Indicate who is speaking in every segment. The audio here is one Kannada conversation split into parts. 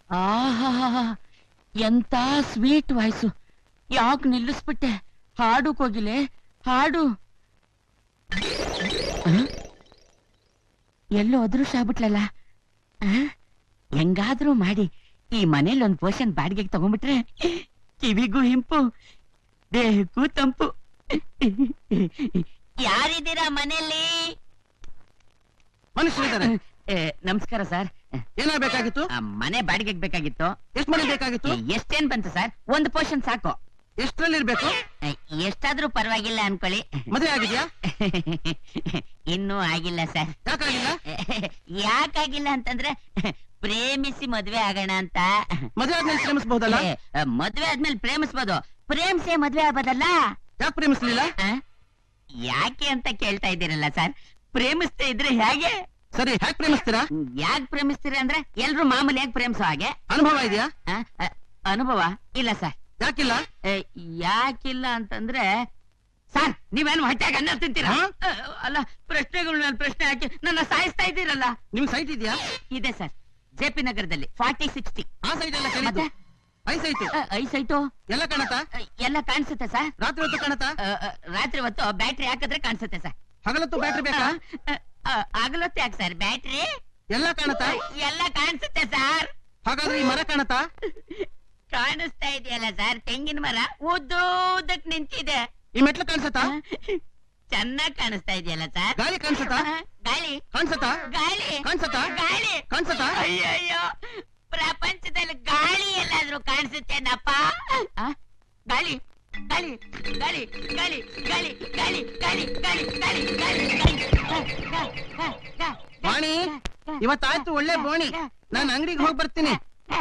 Speaker 1: ಆಹಾ, ಎಂತ ಸ್ವೀಟ್ ವಾಯ್ಸು. ಯಾಕೆ ನಿಲ್ಲಿಸ್ಬಿಟ್ಟೆ? ಹಾಡು ಕೋಗಿಲೆ, ಹಾಡು. ಎಲ್ಲೋ ಅದೃಷ್ಟ ಆಗ್ಬಿಟ್ಲಲ್ಲ. ಹೆಂಗಾದ್ರೂ ಮಾಡಿ ಈ ಮನೇಲಿ ಒಂದ್ ಪೋರ್ಷನ್ ಬಾಡಿಗೆಗೆ ತಗೊಂಡ್ಬಿಟ್ರೆ ಕಿವಿಗೂ ಹಿಂಪು, ದೇಹಕ್ಕೂ ತಂಪು. ಯಾರಿದ್ದೀರಾ ಮನೆಯಲ್ಲಿ?
Speaker 2: ಮನುಷ್ಯರಿದ್ದಾರೆ.
Speaker 1: ನಮಸ್ಕಾರ ಸರ್.
Speaker 2: ಏನಾಗಬೇಕಾಗಿತ್ತು?
Speaker 1: ಮನೆ ಬಾಡಿಗೆಗೆ ಬೇಕಾಗಿತ್ತು.
Speaker 2: ಎಷ್ಟು ಮನೆ ಬೇಕಾಗಿತ್ತು?
Speaker 1: ಎಷ್ಟೇನ್ ಬಂತು ಸರ್? ಒಂದು ಪೋರ್ಷನ್ ಸಾಕು.
Speaker 2: ಎಷ್ಟರಲ್ಲಿ ಇರ್ಬೇಕು?
Speaker 1: ಎಷ್ಟಾದ್ರೂ ಪರವಾಗಿಲ್ಲ ಅನ್ಕೊಳ್ಳಿ.
Speaker 2: ಮದುವೆ ಆಗಿದ್ಯಾ?
Speaker 1: ಇನ್ನೂ ಆಗಿಲ್ಲ ಸರ್.
Speaker 2: ಯಾಕಾಗಿಲ್ಲ?
Speaker 1: ಯಾಕಾಗಿಲ್ಲ ಅಂತಂದ್ರೆ ಪ್ರೇಮಿಸಿ ಮದ್ವೆ ಆಗೋಣ ಅಂತ.
Speaker 2: ಮದುವೆ ಆದ್ಮೇಲೆ ಪ್ರೇಮಿಸಬಹುದಲ್ಲ?
Speaker 1: ಮದ್ವೆ ಆದ್ಮೇಲೆ ಪ್ರೇಮಿಸ್ಬೋದು, ಪ್ರೇಮಿಸೇ ಮದ್ವೆ ಆಗ್ಬೋದಲ್ಲ.
Speaker 2: ಯಾಕೆ ಪ್ರೇಮಿಸ್ಲಿಲ್ಲ?
Speaker 1: ಯಾಕೆ ಅಂತ ಕೇಳ್ತಾ ಇದ್ದೀರಲ್ಲ ಸರ್. ಪ್ರೇಮಿಸ್ತಾ ಇದ್ರೆ ಹೇಗೆ?
Speaker 2: ಸರಿ, ಹ್ಯಾಕ್ ಪ್ರೇಮಿಸ್ತೀರಾ?
Speaker 1: ಯಾಕೆ ಪ್ರೇಮಿಸ್ತೀರಾ ಅಂದ್ರೆ ಎಲ್ರು ಮಾಮೂಲಿ ಯಾಕೆ ಪ್ರೇಮಿಸೋ ಹಾಗೆ.
Speaker 2: ಅನುಭವ ಇದೆಯಾ?
Speaker 1: ಅನುಭವ ಇಲ್ಲ ಸರ್.
Speaker 2: ಯಾಕಿಲ್ಲ?
Speaker 1: ಯಾಕಿಲ್ಲ ಅಂತಂದ್ರೆ ಸರ್, ನೀವೇನು ಹೊಟ್ಟೆಗೆ ಅನ್ನ ತಿಂತೀರಾ? ಅಲ್ಲ, ಪ್ರಶ್ನೆಗಳ ಮೇಲೆ ಪ್ರಶ್ನೆ ಹಾಕಿ ನನ್ನ ಸಾಯಿಸ್ತಾ ಇದ್ದೀರಲ್ಲ.
Speaker 2: ನಿಮ್ ಸೈಟ್ ಇದೆಯಾ?
Speaker 1: ಇದೆ ಸರ್, ಜೆಪಿ ನಗರದಲ್ಲಿ 4060.
Speaker 2: ಆ ಸೈಟ್ ಎಲ್ಲ ಕರೀತು. ಐಸೈಟು.
Speaker 1: ಐಸೈಟು
Speaker 2: ಎಲ್ಲ ಕಾಣತಾ?
Speaker 1: ಎಲ್ಲ ಕಾಣಿಸುತ್ತೆ ಸರ್.
Speaker 2: ರಾತ್ರಿ ಹೊತ್ತು ಕಾಣತಾ?
Speaker 1: ರಾತ್ರಿ ಹೊತ್ತು ಬ್ಯಾಟ್ರಿ ಹಾಕಿದ್ರೆ ಕಾಣಿಸುತ್ತೆ ಸರ್.
Speaker 2: ಹಗಲತ್ತು ಬ್ಯಾಟ್ರಿ ಬೇಕಾ?
Speaker 1: ಆಗಲತ್ತೆ ಯಾಕೆ ಸರ್ ಬ್ಯಾಟ್ರಿ?
Speaker 2: ಎಲ್ಲ ಕಾಣತಾ?
Speaker 1: ಎಲ್ಲ ಕಾಣಿಸುತ್ತೆ ಸರ್.
Speaker 2: ಹಾಗಾದ್ರೆ ಈ ಮರ ಕಾಣತಾ?
Speaker 1: ಕಾಣಿಸ್ತಾ ಇದೆಯಲ್ಲ ಸರ್, ತೆಂಗಿನ ಮರ ಉದ್ದಕ್ಕೆ ನಿಂತಿದೆ.
Speaker 2: ಈ ಮೆಟ್ಲು ಕಾಣಿಸತಾ?
Speaker 1: ಚೆನ್ನಾಗಿ ಕಾಣಿಸ್ತಾ ಇದೆಯಲ್ಲ ಸರ್.
Speaker 2: ಗಾಳಿ ಕಾಣಿಸತಾ?
Speaker 1: ಗಾಳಿ
Speaker 2: ಕಾಣಿಸತಾ?
Speaker 1: ಗಾಳಿ
Speaker 2: ಕಾಣಿಸತಾ?
Speaker 1: ಗಾಳಿ
Speaker 2: ಕಾಣಿಸತಾ?
Speaker 1: ಅಯ್ಯಯ್ಯೋ, ಪ್ರಪಂಚದಲ್ಲಿ ಗಾಳಿ ಎಲ್ಲಾದ್ರೂ ಕಾಣಿಸುತ್ತೇನಪ್ಪ? ಗಾಳಿ ಗಾಳಿ ಗಾಳಿ ಗಾಳಿ ಗಾಳಿ ಗಾಳಿ ಗಾಳಿ ಗಾಳಿ ಗಾಳಿ ಗಾಳಿ
Speaker 2: ವಾಣಿ, ಇವತ್ತಾಯ್ತು ಒಳ್ಳೆ ಬೋಣಿ. ನಾನು ಅಂಗಡಿಗೆ ಹೋಗಿ ಬರ್ತೀನಿ.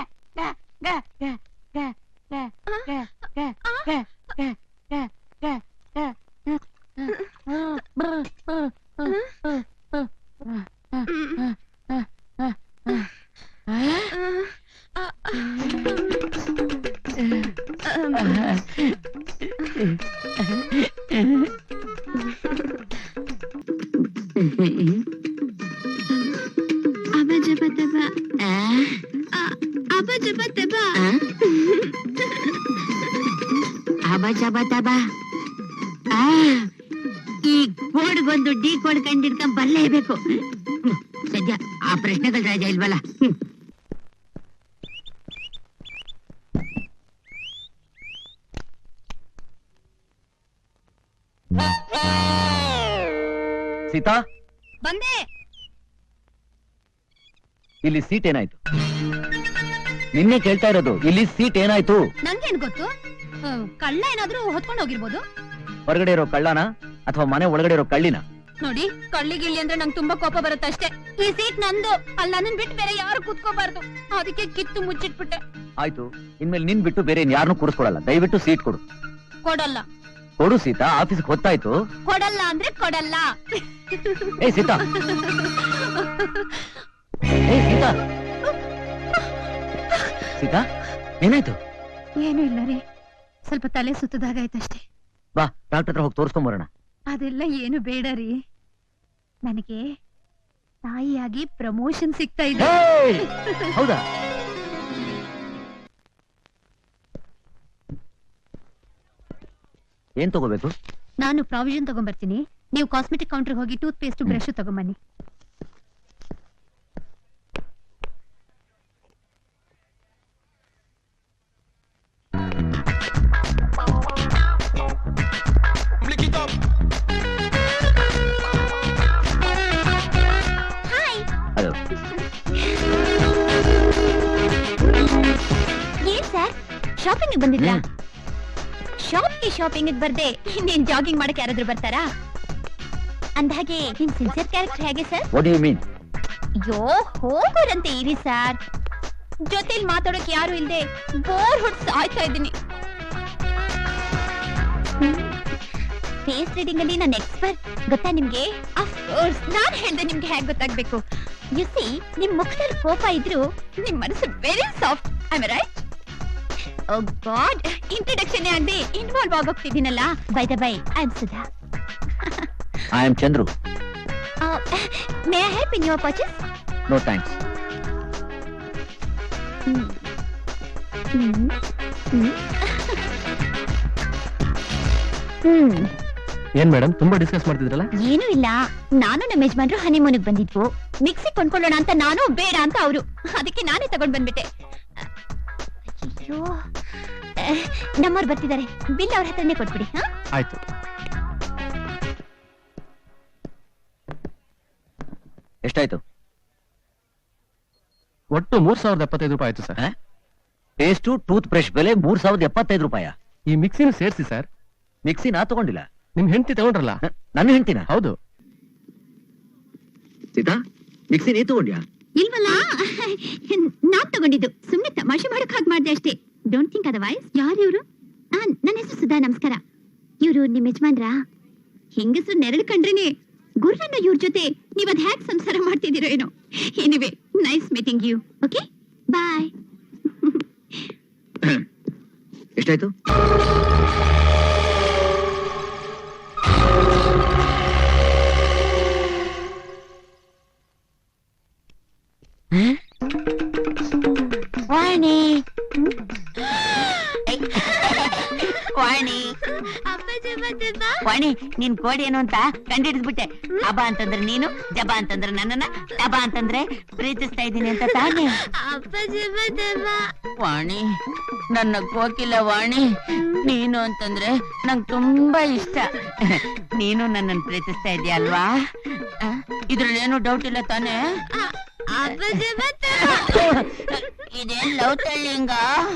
Speaker 1: ಈ ಕೋಡ್ಗೊಂದು ಡಿ ಕೋಡ್ ಕಂಡಿಡ್ಕೊಂಡ್ ಬರಲೇಬೇಕು. ಸದ್ಯ ಆ ಪ್ರಶ್ನೆಗಳ ರಾಜ ಇಲ್ವಲ್ಲ.
Speaker 3: ಸೀತಾ,
Speaker 4: ಬಂದೆ.
Speaker 3: ಇಲ್ಲಿ ಸೀಟ್ ಏನಾಯ್ತು? ನಿನ್ನೆ ಕೇಳ್ತಾ ಇರೋದು, ಇಲ್ಲಿ ಸೀಟ್ ಏನಾಯ್ತು?
Speaker 4: ನಂಗೇನ್ ಗೊತ್ತು? ಕಳ್ಳ ಏನಾದ್ರೂ ಹೊತ್ಕೊಂಡು ಹೋಗಿರ್ಬೋದು.
Speaker 3: ಹೊರಗಡೆ ಇರೋ ಕಳ್ಳನ ಅಥವಾ ಮನೆ ಒಳಗಡೆ ಇರೋ ಕಳ್ಳಿನ?
Speaker 4: ನೋಡಿ, ಕಳ್ಳಿಗಿಳ್ಳಿ ಅಂದ್ರೆ ನಂಗೆ ತುಂಬಾ ಕೋಪ ಬರುತ್ತೆ ಅಷ್ಟೇ. ಈ ಸೀಟ್ ನಂದು, ಅಲ್ಲಿ ನನ್ನನ್ ಬಿಟ್ಟು ಬೇರೆ ಯಾರು ಕೂತ್ಕೋಬಾರ್ದು. ಅದಕ್ಕೆ ಕಿತ್ತು ಮುಚ್ಚಿಟ್ಬಿಟ್ಟೆ.
Speaker 3: ಆಯ್ತು, ಇನ್ಮೇಲೆ ನಿನ್ ಬಿಟ್ಟು ಬೇರೆ ಯಾರನ್ನೂ ಕೂರಿಸ್ಕೊಡಲ್ಲ. ದಯವಿಟ್ಟು ಸೀಟ್ ಕೊಡು.
Speaker 4: ಕೊಡಲ್ಲ.
Speaker 3: ಕೊಡು ಸೀತಾ, ಆಫೀಸ್ಗೆ ಹೊತ್ತಾಯ್ತು.
Speaker 4: ಕೊಡಲ್ಲ ಅಂದ್ರೆ ಕೊಡಲ್ಲ.
Speaker 3: ಏ ಸೀತಾ, ಏ ಸೀತಾ, ಸೀತಾ, ಏನಾಯ್ತು?
Speaker 4: ಏನು ಇಲ್ಲ ರೀ, ಸ್ವಲ್ಪ ತಲೆ ಸುತ್ತದಾಗಾಯ್ತಷ್ಟೇ.
Speaker 3: ಬಾ, ಡಾಕ್ಟರ್ ಹತ್ರ ಹೋಗಿ ತೋರಿಸ್ಕೊಂಬರೋಣ.
Speaker 4: ಅದೆಲ್ಲ ಏನು ಬೇಡ ರೀ, ನನಗೆ ತಾಯಿಯಾಗಿ ಪ್ರಮೋಷನ್ ಸಿಗ್ತಾ ಇದೆ.
Speaker 3: ಹೌದಾ? ಏನ್ ತಗೋಬೇಕು?
Speaker 4: ನಾನು ಪ್ರಾವಿಷನ್ ತಗೊಂಡ್ಬರ್ತೀನಿ, ನೀವು ಕಾಸ್ಮೆಟಿಕ್ ಕೌಂಟರ್ ಹೋಗಿ ಟೂತ್ ಪೇಸ್ಟ್ ಬ್ರಷ್ ತಗೊಂಬನ್ನಿ. ಏನ್ ಸರ್, ಶಾಪಿಂಗ್ ಬಂದಿದ್ರಾ? ಶಾಪಿಂಗ್ ಬರ್ದೆ ನೀನ್ ಜಾಗಿಂಗ್ ಮಾಡಕ್ಕೆ ಯಾರಾದ್ರೂ ಬರ್ತಾರಾ? ಅಂದಾಗೆ ನಿಮ್ ಸಿನ್ಸಿಯರ್ ಕ್ಯಾರೆಕ್ಟರ್ ಹೇಗೆ sir?
Speaker 3: What do you mean?
Speaker 4: ಅಯ್ಯೋ, ಹೋಗೋರಂತೆ ಇರಿ ಸರ್. ಜೊತೆಲಿ ಮಾತಾಡೋಕೆ ಯಾರು ಇಲ್ದೆ ಬೋರ್ ಹೊಡ್ ಸಾಯ್ತಾ ಇದ್ದೀನಿ. ಫೇಸ್ ರೀಡಿಂಗ್ ಅಲ್ಲಿ ನಾನು ಎಕ್ಸ್ಪರ್ಟ್, ಗೊತ್ತಾ ನಿಮ್ಗೆ? ಆಫ್ ಕೋರ್ಸ್, ನಾನ್ ಹೇಳ್ದೆ ನಿಮ್ಗೆ ಹೇಗೆ ಗೊತ್ತಾಗ್ಬೇಕು. ಯು ಸಿ, ನಿಮ್ ಮುಖದಲ್ಲಿ ಕೋಪ ಇದ್ರು ನಿಮ್ ಮನಸ್ಸು very soft. I am right? Oh God, introduction ಆಗದೆ ಇನ್ವಾಲ್ವ್ ಆಗೋಗ್ತಿದ್ದೀನಲ್ಲ. By the by, I am Sudha.
Speaker 3: I am Chandru.
Speaker 4: May I help in your purchase?
Speaker 3: No thanks. ಏನ್ ಮೇಡಮ್ ತುಂಬಾ ಡಿಸ್ಕಸ್ ಮಾಡ್ತಿದ್ರಲ್ಲ?
Speaker 4: ಏನೂ ಇಲ್ಲ, ನಾನು ನಮ್ಮ ಯಜಮಾನ್ರು ಹನಿಮೂನಿಗೆ ಬಂದಿದ್ವು. ಮಿಕ್ಸಿ ಕೊಂಡ್ಕೊಳ್ಳೋಣ ಅಂತ ನಾನು, ಬೇಡ ಅಂತ ಅವರು. ಅದಕ್ಕೆ ನಾನೇ ತಗೊಂಡ್ ಬಂದ್ಬಿಟ್ಟೆ. ಅಯ್ಯೋ, ನಮ್ಮವ್ರು ಬರ್ತಿದ್ದಾರೆ, ಬಿಲ್ ಅವ್ರ ಹತ್ರನೇ ಕೊಟ್ಬಿಡಿ.
Speaker 3: ಆಯ್ತು. ಎಷ್ಟಾಯ್ತು?
Speaker 5: ಒಟ್ಟು 3075 ರೂಪಾಯಿ ಆಯ್ತು ಸರ್.
Speaker 3: ಪೇಸ್ಟು ಟೂತ್ ಬ್ರಷ್ ಬೆಲೆ 3075 ರೂಪಾಯಿ.
Speaker 5: ಈ ಮಿಕ್ಸಿನ ಸೇರಿಸಿ ಸರ್.
Speaker 3: ಮಿಕ್ಸಿ ನಾ ತಗೊಂಡಿಲ್ಲ,
Speaker 5: ನಿಮ್ ಹೆಂಡತಿ ತಗೊಂಡ್ರಲ್ಲ?
Speaker 3: ನನ್ನ ಹೆಂಡ್ತಿನ?
Speaker 5: ಹೌದು.
Speaker 3: ಸೀತಾ, ಮಿಕ್ಸಿ ನೀ ತಗೊಂಡ್ಯಾ?
Speaker 4: ಇಲ್ವಲ್ಲ, ನಾನ್ ತಗೊಂಡಿದ್ದು. ಸುಮ್ನೆ ತಮಾಷೆ ಮಾಡಕ್ ಹಾಗೆ ಮಾಡ್ದೆ ಅಷ್ಟೇ. Don't think otherwise. ಯಾರು ಇವ್ರು? ನನ್ನ ಹೆಸರು ಸುಧಾ, ನಮಸ್ಕಾರ. ಇವ್ರು ನಿಮ್ ಯಜಮಾನ್ರ? ಹೆಂಗಸರು ನೆರಳು ಕಂಡ್ರೇನೆ ಗುರ್ರನ್ನ ಇವ್ರ ಜೊತೆ ನೀವ್ ಅದ್ ಹ್ಯಾಕ್ ಸಂಸಾರ ಮಾಡ್ತಿದ್ದೀರೋ ಏನೋ. Anyway, nice meeting you. Okay, bye.
Speaker 3: ಎಷ್ಟಾಯ್ತು?
Speaker 1: ವಾಣಿ ವಾಣಿ ವಾಣಿ, ನಿನ್ ಕೋಡಿ ಏನು ಅಂತ ಕಂಡಿಡಿದ್ಬಿಟ್ಟೆ. ಅಬ ಅಂತಂದ್ರೆ ನೀನು, ಜಬ ಅಂತಂದ್ರೆ ನನ್ನನ್ನ, ಟಬ ಅಂತಂದ್ರೆ ಪ್ರೀತಿಸ್ತಾ ಇದ್ದೀನಿ ಅಂತ ತಾನೇ? ವಾಣಿ, ನನ್ನ ಕೋಕಿಲ ವಾಣಿ, ನೀನು ಅಂತಂದ್ರೆ ನಂಗ್ ತುಂಬಾ ಇಷ್ಟ. ನೀನು ನನ್ನನ್ನು ಪ್ರೀತಿಸ್ತಾ ಇದೀಯ ಅಲ್ವಾ? ಇದ್ರಲ್ಲಿ ಏನು ಡೌಟ್ ಇಲ್ಲ ತಾನೇ? ಇದೇನ್ ಲವ್ ತಳ್ಳಿಂಗ?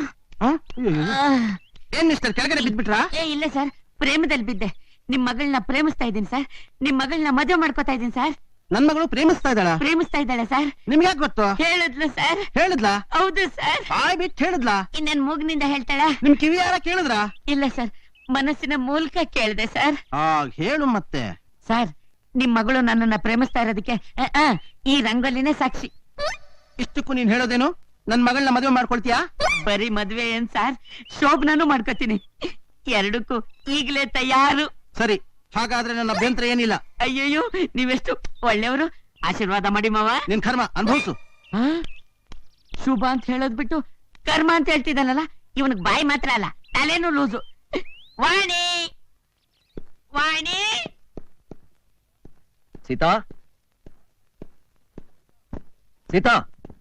Speaker 2: ಏನ್ ಮಿಸ್ಟರ್ ಕೆಳಗಡೆ ಬಿದ್ಬಿಟ್ರಾ?
Speaker 1: ಇಲ್ಲ ಸರ್, ಪ್ರೇಮದಲ್ಲಿ ಬಿದ್ದೆ. ನಿಮ್ ಮಗಳನ್ನ ಪ್ರೇಮಿಸ್ತಾ ಇದ್ದೀನಿ ಸರ್. ನಿಮ್ ಮಗಳನ್ನ ಮದುವೆ ಮಾಡ್ಕೋತಾ ಇದ್ದೀನಿ ಸರ್.
Speaker 2: ನನ್ ಮಗಳು ಪ್ರೇಮಿಸ್ತಾ
Speaker 1: ಇದ್ದಾಳೆ ಸರ್.
Speaker 2: ನಿಮ್ಗೆ ಯಾಕೆ ಗೊತ್ತು?
Speaker 1: ಹೇಳಿದ್ಲು ಸರ್.
Speaker 2: ಹೇಳಿದ್ಲಾ?
Speaker 1: ಹೌದು ಸರ್.
Speaker 2: ಬಾಯ್ ಬಿಟ್ಟು ಹೇಳಿದ್ಲಾ?
Speaker 1: ಇನ್ನೇನ್ ಮೂಗ್ನಿಂದ ಹೇಳ್ತಾಳ?
Speaker 2: ನಿಮ್ ಕಿವಿ ಯಾರ ಕೇಳಿದ್ರಾ?
Speaker 1: ಇಲ್ಲ ಸರ್, ಮನಸ್ಸಿನ ಮೂಲಕ ಕೇಳಿದೆ ಸರ್.
Speaker 2: ಹೇಳು ಮತ್ತೆ.
Speaker 1: ಸರ್, ನಿಮ್ ಮಗಳು ನನ್ನನ್ನ ಪ್ರೇಮಿಸ್ತಾ ಇರೋದಕ್ಕೆ ಈ ರಂಗೋಲಿನೇ ಸಾಕ್ಷಿ.
Speaker 2: ಇಷ್ಟಕ್ಕೂ ನೀನ್ ಹೇಳೋದೇನು? ನನ್ ಮಗಳನ್ನ ಮದುವೆ ಮಾಡ್ಕೊಳ್ತೀಯಾ?
Speaker 1: ಬರೀ ಮದ್ವೆ ಏನ್ ಸರ್, ಶೋಭನೂ ಮಾಡ್ಕೋತೀನಿ. ಎರಡಕ್ಕೂ ಈಗ್ಲೇ ತಯಾರು.
Speaker 2: ಸರಿ, ಹಾಗಾದ್ರೆ ನನ್ನ ಅಭ್ಯಂತರ ಏನಿಲ್ಲ.
Speaker 1: ಅಯ್ಯಯ್ಯೋ, ನೀವೆಷ್ಟು ಒಳ್ಳೆಯವರು. ಆಶೀರ್ವಾದ ಮಾಡಿ ಮಾವ.
Speaker 2: ನಿನ್ ಕರ್ಮ ಅನುಭವಿಸು.
Speaker 1: ಶುಭ ಅಂತ ಹೇಳೋದ್ ಬಿಟ್ಟು ಕರ್ಮ ಅಂತ ಹೇಳ್ತಿದ್ದಾನಲ್ಲ, ಇವನಿಗೆ ಬಾಯಿ ಮಾತ್ರ ಅಲ್ಲ, ತಲೆನೂ ಲೂಸು. ವಾಣಿ ವಾಣಿ.
Speaker 3: ಸೀತಾ, ಸೀತಾ,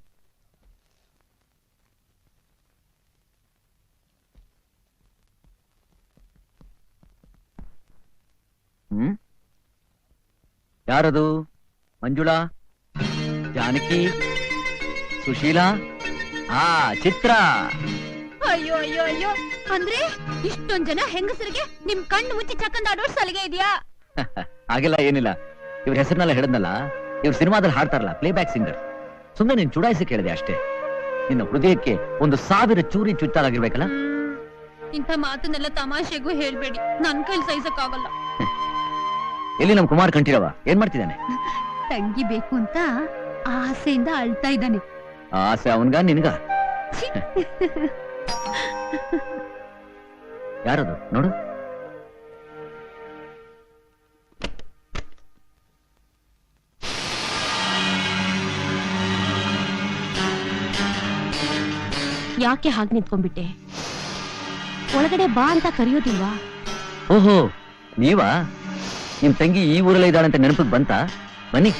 Speaker 3: ಯಾರದು? ಮಂಜುಳಾ, ಜಾನಕಿ, ಸುಶೀಲಾ, ಚಿತ್ರ.
Speaker 4: ಅಯ್ಯೋ ಅಯ್ಯೋ ಅಯ್ಯೋ, ಅಂದ್ರೆ ಇಷ್ಟೊಂದ್ ಜನ ಹೆಂಗಸರಿಗೆ ನಿಮ್ ಕಣ್ಣು ಮುಚ್ಚಿ ಚಕ್ಕಂದಾಡೋ ಸಲಿಗೆ ಇದೆಯಾ?
Speaker 3: ಹಾಗೆಲ್ಲ ಏನಿಲ್ಲ. ಇವ್ರ ಹೆಸರಿನೆಲ್ಲ ಹೇಳಿದ್ನಲ್ಲ, ಇವ್ರ ಸಿನಿಮಾದಲ್ಲಿ ಹಾಡ್ತಾರಲ್ಲ, ಪ್ಲೇ ಬ್ಯಾಕ್ ಸಿಂಗರ್. ಸುಮ್ಮನೆ ನೀನ್ ಚುಡಾಯಿಸಿ ಕೇಳಿದೆ ಅಷ್ಟೇ. ನಿನ್ನ ಹೃದಯಕ್ಕೆ 1000 ಚೂರಿ ಚುಚ್ಚಾಗಿರ್ಬೇಕಲ್ಲ.
Speaker 4: ಇಂಥ ಮಾತನ್ನೆಲ್ಲ ತಮಾಷೆಗೂ ಹೇಳ್ಬೇಡಿ, ನನ್ ಕೈಲಿ ಸಹಿಸಕ್ಕಾಗಲ್ಲ.
Speaker 3: ಎಲ್ಲಿ ನಮ್ ಕುಮಾರ್ ಕಂಠೀರವ ಏನ್ ಮಾಡ್ತಿದ್ದಾನೆ?
Speaker 4: ತಂಗಿ ಬೇಕು ಅಂತ ಆಸೆಯಿಂದ ಅಳ್ತಾ ಇದ್ದಾನೆ.
Speaker 3: ಆಸೆ ಅವನ್ಗ ನಿನ್ಗ? ಯಾರದು ನೋಡು.
Speaker 4: ಯಾಕೆ ಹಾಗೆ ನಿಂತ್ಕೊಂಡ್ಬಿಟ್ಟೆ? ಒಳಗಡೆ ಬಾ ಅಂತ ಕರೆಯೋದಿಲ್ವಾ?
Speaker 3: ಓಹೋ, ನೀವಾ? ನಿಮ್ ತಂಗಿ ಈ ಊರಲ್ಲೇ ಇದ್ದಾಳೆ ಅಂತ ನೆನಪಿಗೆ ಬಂತಾ? ಬನ್ನಿ.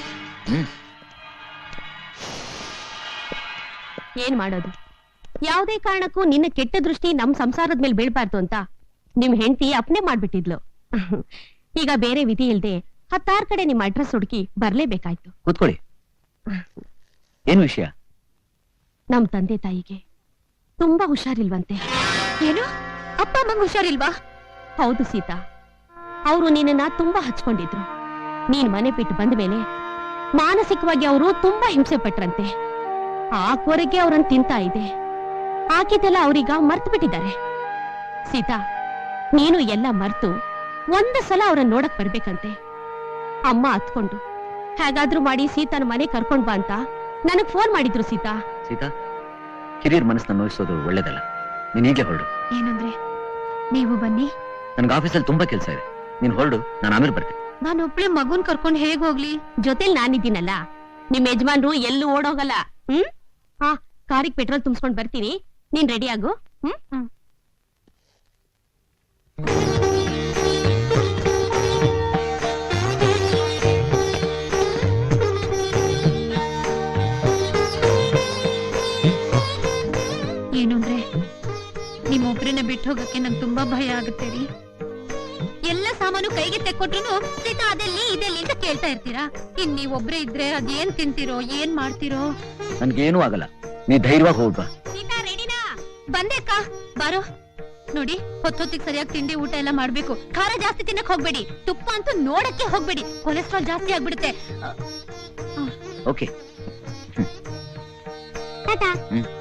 Speaker 4: ಏನ್ ಮಾಡೋದು? ಯಾವುದೇ ಕಾರಣಕ್ಕೂ ನಿನ್ನ ಕೆಟ್ಟ ದೃಷ್ಟಿ ನಮ್ ಸಂಸಾರದ ಮೇಲೆ ಬೀಳ್ಬಾರ್ದು ಅಂತ ನಿಮ್ ಹೆಂಡತಿ ಅಪ್ನೆ ಮಾಡ್ಬಿಟ್ಟಿದ್ಲು. ಈಗ ಬೇರೆ ವಿಧಿ ಇಲ್ದೆ 16 ಕಡೆ ನಿಮ್ ಅಡ್ರೆಸ್ ಹುಡುಕಿ ಬರ್ಲೇಬೇಕಾಯ್ತು.
Speaker 3: ಕೂತ್ಕೊಳ್ಳಿ. ಏನ್ ವಿಷಯ?
Speaker 4: ನಮ್ ತಂದೆ ತಾಯಿಗೆ ತುಂಬಾ ಹುಷಾರಿಲ್ವಂತೆ. ಏನು? ಅಪ್ಪ ಅಮ್ಮಂಗ್ ಹುಷಾರಿಲ್ವಾ? ಹೌದು ಸೀತಾ, ಅವರು ನಿನ್ನ ತುಂಬಾ ಹಚ್ಕೊಂಡಿದ್ರು. ನೀನ್ ಮನೆ ಬಿಟ್ಟು ಬಂದ ಮೇಲೆ ಮಾನಸಿಕವಾಗಿ ಅವರು ತುಂಬಾ ಹಿಂಸೆ ಪಟ್ರಂತೆ. ಆ ಕೊರಗೆ ಅವ್ರನ್ನ ತಿಂತಾ ಇದೆ. ಹಾಕಿದ್ದೆಲ್ಲ ಅವ್ರೀಗ ಮರ್ತು ಬಿಟ್ಟಿದ್ದಾರೆ. ಸೀತಾ, ನೀನು ಎಲ್ಲ ಮರ್ತು ಒಂದು ಸಲ ಅವ್ರನ್ನ ನೋಡಕ್ ಬರ್ಬೇಕಂತೆ. ಅಮ್ಮ ಹತ್ಕೊಂಡು ಹೇಗಾದ್ರೂ ಮಾಡಿ ಸೀತಾನ ಮನೆ ಕರ್ಕೊಂಡ್ ಬಾ ಅಂತ ನನಗ್ ಫೋನ್ ಮಾಡಿದ್ರು. ಸೀತಾ,
Speaker 3: ಸೀತಾ, ಹಿರಿಯರ್ ಮನಸ್ಸನ್ನ ನೋಯಿಸೋದು ಒಳ್ಳೇದಲ್ಲ. ನೀನ್ ಈಗಲೇ ಹೊರಡು.
Speaker 4: ಏನಂದ್ರೆ? ನೀವು ಬನ್ನಿ,
Speaker 3: ನನ್ಗೆ ಆಫೀಸಲ್ಲಿ ತುಂಬಾ ಕೆಲಸ ಇದೆ. ನೀನ್ ಹೊರಡು, ನಾನು ಆಮೇಲೆ ಬರ್ತೇನೆ.
Speaker 4: ನಾನು ಒಬ್ಳೆ ಮಗುನ್ ಕರ್ಕೊಂಡು ಹೇಗ್ ಹೋಗ್ಲಿ? ಜೊತೆಲಿ ನಾನಿದ್ದೀನಲ್ಲ. ನಿಮ್ ಯಜಮಾನ್ರು ಎಲ್ಲೂ ಓಡೋಗಲ್ಲ. ಕಾರಿಗೆ ಪೆಟ್ರೋಲ್ ತುಂಬಿಸ್ಕೊಂಡ್ ಬರ್ತೀನಿ, ನೀನ್ ರೆಡಿ ಆಗು. ಏನು ಅಂದ್ರೆ ನಿಮ್ಮೊಬ್ರನ್ನ ಬಿಟ್ಟು ಹೋಗಕ್ಕೆ ನಂಗೆ ತುಂಬಾ ಭಯ ಆಗುತ್ತೆ ರೀ. ಎಲ್ಲ ಸಾಮಾನು ಕೈಗೆ ತೆಕ್ಕೊಟ್ರು ಸೀತಾ ಅದೆಲ್ಲಿ ಇದೆಲ್ಲಿ ಅಂತ ಕೇಳ್ತಾ ಇರ್ತೀರಾ. ಇನ್ ನೀವೊಬ್ರೇ ಇದ್ರೆ ಅದೇನ್ ತಿಂತೀರೋ ಏನ್ ಮಾಡ್ತೀರೋ.
Speaker 3: ನನ್ಗೇನು ಆಗಲ್ಲ, ನೀ ಧೈರ್ಯವಾಗಿ ಹೋಗ್ಬಾ.
Speaker 4: ಸೀತಾ ರೆಡಿನಾ? ಬಂದೆ ಅಕ್ಕ, ಬಾರೋ. ನೋಡಿ, ಹೊತ್ತೊತ್ತಿಗೆ ಸರಿಯಾಗಿ ತಿಂಡಿ ಊಟ ಎಲ್ಲ ಮಾಡ್ಬೇಕು. ಖಾರ ಜಾಸ್ತಿ ತಿನ್ನಕ್ ಹೋಗ್ಬೇಡಿ, ತುಪ್ಪ ಅಂತೂ ನೋಡಕ್ಕೆ ಹೋಗ್ಬೇಡಿ, ಕೊಲೆಸ್ಟ್ರಾಲ್ ಜಾಸ್ತಿ ಆಗ್ಬಿಡುತ್ತೆ.
Speaker 3: ಓಕೆ.
Speaker 4: ಟಾಟಾ.
Speaker 3: ಹ್ಮ್